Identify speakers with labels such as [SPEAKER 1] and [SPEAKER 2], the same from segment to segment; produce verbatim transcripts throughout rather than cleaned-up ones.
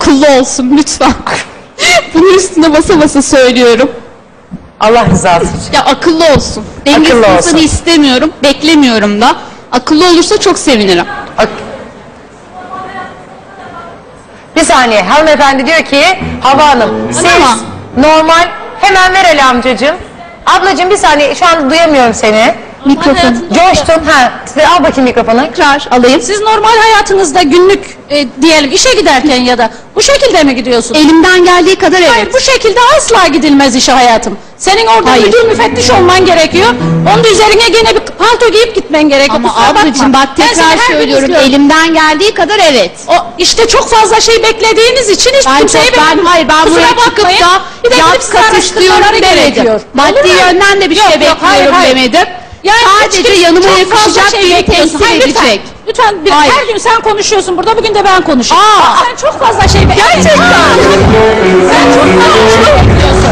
[SPEAKER 1] akıllı olsun lütfen. Bunun üstüne basa basa söylüyorum.
[SPEAKER 2] Allah rızası için.
[SPEAKER 1] Ya akıllı olsun. Dengesiz
[SPEAKER 2] Akıllı olsun.
[SPEAKER 1] insanı istemiyorum, beklemiyorum da. Akıllı olursa çok sevinirim.
[SPEAKER 2] Ak Bir saniye, hanımefendi diyor ki, Hava Hanım, siz
[SPEAKER 1] Ama-
[SPEAKER 2] normal, hemen ver Ali amcacığım. Ablacığım bir saniye, şu an duyamıyorum seni.
[SPEAKER 1] Mikrofon.
[SPEAKER 2] Coştun, ha, al bakayım mikrofonu.
[SPEAKER 1] Tekrar alayım.
[SPEAKER 3] Siz normal hayatınızda günlük e, diyelim işe giderken ya da bu şekilde mi gidiyorsunuz?
[SPEAKER 1] Elimden geldiği kadar evet.
[SPEAKER 3] Hayır, bu şekilde asla gidilmez işe hayatım. Senin orada
[SPEAKER 1] Hayır.
[SPEAKER 3] müdür müfettiş olman gerekiyor. Onun da üzerine gene bir palto giyip gitmen gerekiyor.
[SPEAKER 1] Ama
[SPEAKER 3] Kusura bakma.
[SPEAKER 1] ablacığım bak
[SPEAKER 3] Ben seni
[SPEAKER 1] tekrar
[SPEAKER 3] her gün
[SPEAKER 1] söylüyorum,
[SPEAKER 3] izliyorum.
[SPEAKER 1] elimden geldiği kadar evet.
[SPEAKER 3] O işte çok fazla şey beklediğiniz için hiç
[SPEAKER 1] Ben
[SPEAKER 3] kimseyi
[SPEAKER 1] çok- ben-
[SPEAKER 3] beğenmiyorum.
[SPEAKER 1] hayır, ben
[SPEAKER 3] Kusura
[SPEAKER 1] buraya çıkıp
[SPEAKER 3] bakmayın.
[SPEAKER 1] da
[SPEAKER 3] bir de
[SPEAKER 1] yap,
[SPEAKER 3] gidip size
[SPEAKER 1] kat
[SPEAKER 3] araştırmaları
[SPEAKER 1] istiyorum
[SPEAKER 3] gerekiyor.
[SPEAKER 1] demedim. Maddi
[SPEAKER 3] Olur mu?
[SPEAKER 1] yönden de bir
[SPEAKER 3] Yok,
[SPEAKER 1] şey
[SPEAKER 3] yok,
[SPEAKER 1] bekliyorum
[SPEAKER 3] hayır, hayır.
[SPEAKER 1] demedim.
[SPEAKER 3] Yani
[SPEAKER 1] Sadece
[SPEAKER 3] hiç kimse-
[SPEAKER 1] yanıma
[SPEAKER 3] çok fazla
[SPEAKER 1] yakışacak
[SPEAKER 3] şey
[SPEAKER 1] biri
[SPEAKER 3] bekliyorsun.
[SPEAKER 1] temsil
[SPEAKER 3] Hayır, lütfen.
[SPEAKER 1] edecek.
[SPEAKER 3] Lütfen bir,
[SPEAKER 1] Hayır.
[SPEAKER 3] her gün sen konuşuyorsun burada, bugün de ben konuşayım.
[SPEAKER 1] Aa.
[SPEAKER 3] Aa, sen çok fazla şey bekliyorsun. Gerçekten. Sen çok fazla şey bekliyorsun.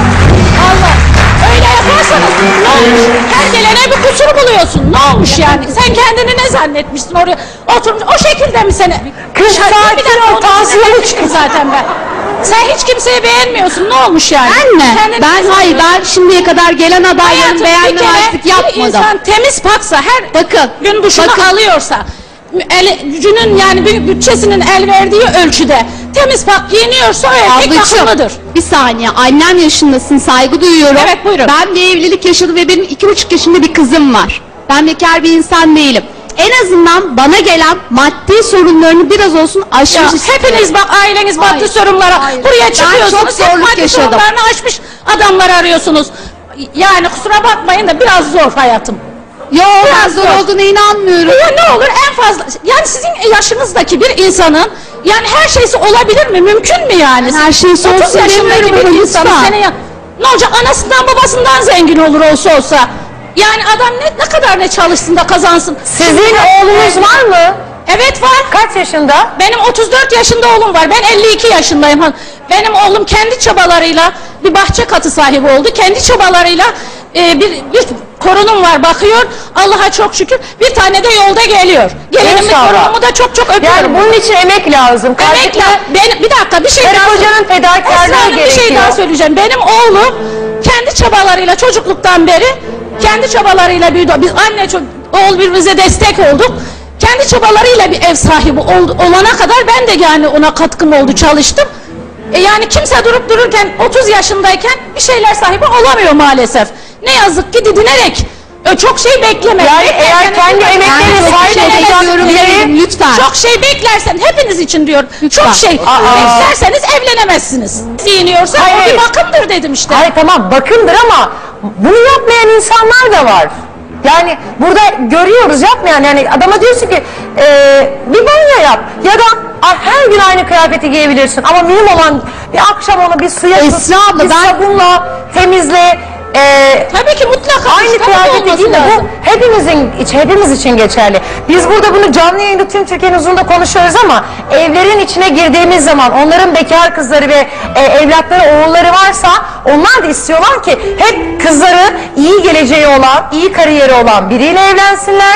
[SPEAKER 3] Allah. Öyle yaparsanız ne olmuş? Her gelene bir kusur buluyorsun. Ne olmuş yani? Sen kendini ne zannetmişsin oraya oturmuş? O şekilde mi seni?
[SPEAKER 2] Kız
[SPEAKER 3] Dışarı-
[SPEAKER 2] sakin
[SPEAKER 3] bir dakika,
[SPEAKER 2] ol,
[SPEAKER 3] onun
[SPEAKER 2] tansiyonu
[SPEAKER 3] üzerine çıktım zaten ben. Sen hiç kimseyi beğenmiyorsun. Ne olmuş yani?
[SPEAKER 1] Ben mi?
[SPEAKER 3] Kendini
[SPEAKER 1] Ben
[SPEAKER 3] ne
[SPEAKER 1] hayır,
[SPEAKER 3] sanıyorsun?
[SPEAKER 1] ben şimdiye kadar gelen adayların
[SPEAKER 3] Hayatım, bir
[SPEAKER 1] beğenmemezlik
[SPEAKER 3] kere bir
[SPEAKER 1] yapmadım.
[SPEAKER 3] insan temiz paksa, her
[SPEAKER 1] Bakın,
[SPEAKER 3] gün duşunu
[SPEAKER 1] bakın.
[SPEAKER 3] alıyorsa, el, gücünün yani bir bütçesinin el verdiği ölçüde temiz pak giyiniyorsa o erkek
[SPEAKER 1] Ablacığım,
[SPEAKER 3] bakımlıdır.
[SPEAKER 1] bir saniye, annem yaşındasın, saygı duyuyorum.
[SPEAKER 3] Evet, buyurun.
[SPEAKER 1] Ben bir evlilik yaşadım ve benim iki buçuk yaşında bir kızım var. Ben bekar bir insan değilim. En azından bana gelen maddi sorunlarını biraz olsun aşmış
[SPEAKER 3] Ya,
[SPEAKER 1] istiyorum.
[SPEAKER 3] hepiniz bak aileniz maddi
[SPEAKER 1] Hayır,
[SPEAKER 3] sorunlara
[SPEAKER 1] hayır.
[SPEAKER 3] buraya
[SPEAKER 1] Ben
[SPEAKER 3] çıkıyorsunuz.
[SPEAKER 1] çok
[SPEAKER 3] hep
[SPEAKER 1] zorluk
[SPEAKER 3] maddi
[SPEAKER 1] yaşadım.
[SPEAKER 3] sorunlarını aşmış adamlar arıyorsunuz. Yani kusura bakmayın da biraz zor hayatım.
[SPEAKER 1] Yo, ben
[SPEAKER 3] Biraz
[SPEAKER 1] zor
[SPEAKER 3] zor.
[SPEAKER 1] olduğuna inanmıyorum.
[SPEAKER 3] Ya ne olur en fazla yani sizin yaşınızdaki bir insanın yani her şeysi olabilir mi? Mümkün mü yani?
[SPEAKER 1] Ben her şeysi
[SPEAKER 3] otuz
[SPEAKER 1] olsun
[SPEAKER 3] yaşındaki
[SPEAKER 1] demiyorum
[SPEAKER 3] bir
[SPEAKER 1] ama
[SPEAKER 3] insanın
[SPEAKER 1] lütfen.
[SPEAKER 3] senin ya, ne olacak, anasından babasından zengin olur olsa olsa. Yani adam ne, ne kadar ne çalışsın da kazansın.
[SPEAKER 2] Sizin oğlunuz var mı?
[SPEAKER 3] Evet var.
[SPEAKER 2] Kaç yaşında?
[SPEAKER 3] Benim otuz dört yaşında oğlum var. Ben elli iki yaşındayım. Benim oğlum kendi çabalarıyla bir bahçe katı sahibi oldu. Kendi çabalarıyla e, bir, bir torunum var, bakıyor. Allah'a çok şükür. Bir tane de yolda geliyor. Gelinimi,
[SPEAKER 2] İnşallah.
[SPEAKER 3] torunumu da çok çok öpüyorum.
[SPEAKER 2] Yani bunun için emek lazım.
[SPEAKER 3] Emekle, ben, bir dakika bir şey
[SPEAKER 2] Karı
[SPEAKER 3] daha
[SPEAKER 2] kocanın fedakarlığı
[SPEAKER 3] Esra Hanım, bir şey
[SPEAKER 2] gerekiyor.
[SPEAKER 3] daha söyleyeceğim. Benim oğlum kendi çabalarıyla çocukluktan beri kendi çabalarıyla büyüdü. Biz anne ço- oğul birbirimize destek olduk. Kendi çabalarıyla bir ev sahibi ol, olana kadar ben de yani ona katkım oldu, çalıştım. E yani kimse durup dururken otuz yaşındayken bir şeyler sahibi olamıyor maalesef. Ne yazık ki didinerek e, çok şey bekleme.
[SPEAKER 2] Yani
[SPEAKER 3] Beklerken
[SPEAKER 2] eğer kendi
[SPEAKER 3] hepimiz-
[SPEAKER 2] emeklerine
[SPEAKER 3] Yani
[SPEAKER 2] sahip
[SPEAKER 3] çok şey
[SPEAKER 2] olacakları
[SPEAKER 3] beklerseniz-
[SPEAKER 2] biri-
[SPEAKER 1] lütfen.
[SPEAKER 3] Çok şey beklersen hepiniz için diyorum. Çok şey
[SPEAKER 2] Aa.
[SPEAKER 3] beklerseniz evlenemezsiniz. Giyiniyorsa o
[SPEAKER 2] Hayır.
[SPEAKER 3] bir bakımdır dedim işte.
[SPEAKER 2] Hayır tamam bakımdır ama bunu yapmayan insanlar da var. Yani burada görüyoruz yapmayan, yani adama diyorsun ki e, bir banyo yap ya da "Ay, her gün aynı kıyafeti giyebilirsin ama mühim olan bir akşam onu bir suya tut,
[SPEAKER 1] Esra abla,
[SPEAKER 2] bir
[SPEAKER 1] ben-
[SPEAKER 2] sabunla temizle. E,
[SPEAKER 3] Tabii ki mutlaka.
[SPEAKER 2] Aynı
[SPEAKER 3] tabii
[SPEAKER 2] kıyafeti
[SPEAKER 3] olması
[SPEAKER 2] değil de bu
[SPEAKER 3] lazım.
[SPEAKER 2] hepimizin, iç- hepimiz için geçerli. Biz burada bunu canlı yayında tüm Türkiye'nin huzurunda konuşuyoruz ama evlerin içine girdiğimiz zaman onların bekar kızları ve e, evlatları, oğulları varsa onlar da istiyorlar ki hep kızları iyi geleceği olan, iyi kariyeri olan biriyle evlensinler.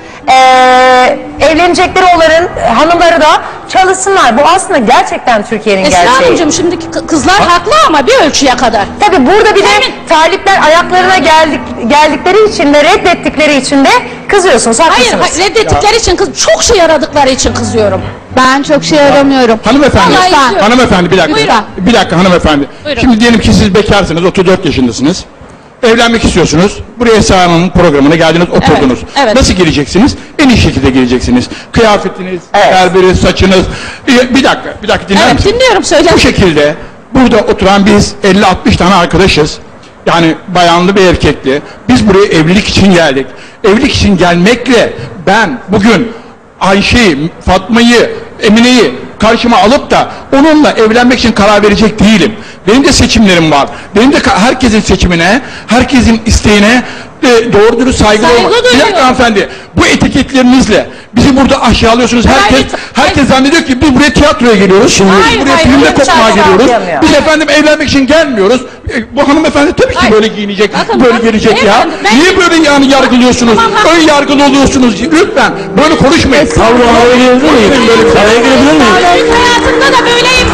[SPEAKER 2] Ee, evlenecekleri oğulların hanımları da çalışsınlar. Bu aslında gerçekten Türkiye'nin
[SPEAKER 3] Esra
[SPEAKER 2] gerçeği.
[SPEAKER 3] Hanımcığım, şimdiki kı- kızlar haklı ama bir ölçüye kadar.
[SPEAKER 2] Tabii burada bir de
[SPEAKER 3] Emin-
[SPEAKER 2] talipler ayaklarına geldik, geldikleri için de reddettikleri için de kızıyorsunuz,
[SPEAKER 3] Hayır,
[SPEAKER 2] haklısınız.
[SPEAKER 3] hayır, reddettikleri için kız, çok şey aradıkları için kızıyorum.
[SPEAKER 1] Ben çok şey aramıyorum.
[SPEAKER 4] Hanımefendi,
[SPEAKER 3] Vallahi istiyorum.
[SPEAKER 4] hanımefendi bir dakika.
[SPEAKER 3] Buyurun.
[SPEAKER 4] Bir dakika hanımefendi.
[SPEAKER 3] Buyurun.
[SPEAKER 4] Şimdi diyelim ki siz bekarsınız, otuz dört yaşındasınız. Evlenmek istiyorsunuz. Buraya Esra Hanım'ın programına geldiniz, oturdunuz.
[SPEAKER 3] evet.
[SPEAKER 4] Nasıl gireceksiniz? En iyi şekilde gireceksiniz. Kıyafetiniz,
[SPEAKER 2] Evet.
[SPEAKER 4] berberi, saçınız. Bir, bir dakika, bir dakika dinler
[SPEAKER 3] Evet,
[SPEAKER 4] misin?
[SPEAKER 3] dinliyorum, söyle.
[SPEAKER 4] Bu şekilde burada oturan biz elli altmış tane arkadaşız. Yani bayanlı bir erkekli. Biz buraya evlilik için geldik. Evlilik için gelmekle ben bugün Ayşe'yi, Fatma'yı, Emine'yi karşıma alıp da onunla evlenmek için karar verecek değilim. Benim de seçimlerim var. Benim de ka- herkesin seçimine, herkesin isteğine e, doğru dürüst saygılı
[SPEAKER 3] Saygı
[SPEAKER 4] olmak. Bir
[SPEAKER 3] duyuyorum.
[SPEAKER 4] dakika hanımefendi, bu etiketlerinizle bizi burada aşağılıyorsunuz. Herkes
[SPEAKER 3] Hayır,
[SPEAKER 4] herkes zannediyor ki biz buraya tiyatroya geliyoruz. Şimdi
[SPEAKER 3] Hayır,
[SPEAKER 4] biz buraya
[SPEAKER 3] hayır,
[SPEAKER 4] filmde
[SPEAKER 3] öyle bir
[SPEAKER 4] kopmaya
[SPEAKER 3] şey
[SPEAKER 4] geliyoruz.
[SPEAKER 2] yapmıyor.
[SPEAKER 4] Biz efendim evlenmek için gelmiyoruz. E, bu hanımefendi tabii ki
[SPEAKER 3] Hayır.
[SPEAKER 4] böyle giyinecek,
[SPEAKER 3] Bakın,
[SPEAKER 4] böyle
[SPEAKER 3] bakın,
[SPEAKER 4] gelecek ya.
[SPEAKER 3] beyefendi, ben-
[SPEAKER 4] Niye böyle yani yargılıyorsunuz?
[SPEAKER 3] Tamam, ha-
[SPEAKER 4] Ön yargılı oluyorsunuz. Lütfen böyle konuşmayın.
[SPEAKER 1] Esra-
[SPEAKER 4] Böyle bir araya girebilir miyim?
[SPEAKER 3] Günlük hayatında da böyleyim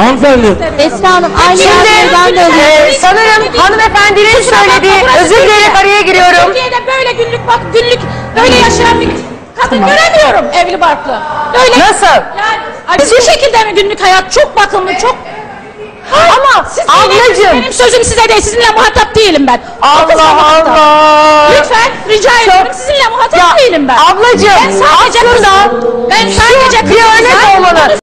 [SPEAKER 5] Hanımefendi.
[SPEAKER 1] Esra Hanım aynı
[SPEAKER 2] Şimdi
[SPEAKER 1] yerden de
[SPEAKER 2] e,
[SPEAKER 1] alıyorum.
[SPEAKER 2] sanırım hanımefendinin söylediği, özür dileyerek araya giriyorum.
[SPEAKER 3] Türkiye'de böyle günlük bak günlük böyle yaşayan bir kadın göremiyorum evli barklı. Böyle.
[SPEAKER 2] Nasıl?
[SPEAKER 3] Yani ay, bu şekilde mi günlük hayat çok bakımlı çok.
[SPEAKER 2] Ama
[SPEAKER 3] Siz
[SPEAKER 2] ablacığım.
[SPEAKER 3] benim, benim sözüm size değil sizinle muhatap değilim ben. Otuz
[SPEAKER 2] Allah
[SPEAKER 3] muhatap.
[SPEAKER 2] Allah.
[SPEAKER 3] Lütfen rica ediyorum sizinle muhatap
[SPEAKER 2] Ya,
[SPEAKER 3] değilim ben.
[SPEAKER 2] ablacığım
[SPEAKER 3] Ben sadece
[SPEAKER 2] aslında
[SPEAKER 3] ben sadece
[SPEAKER 2] bir örnek olmalı.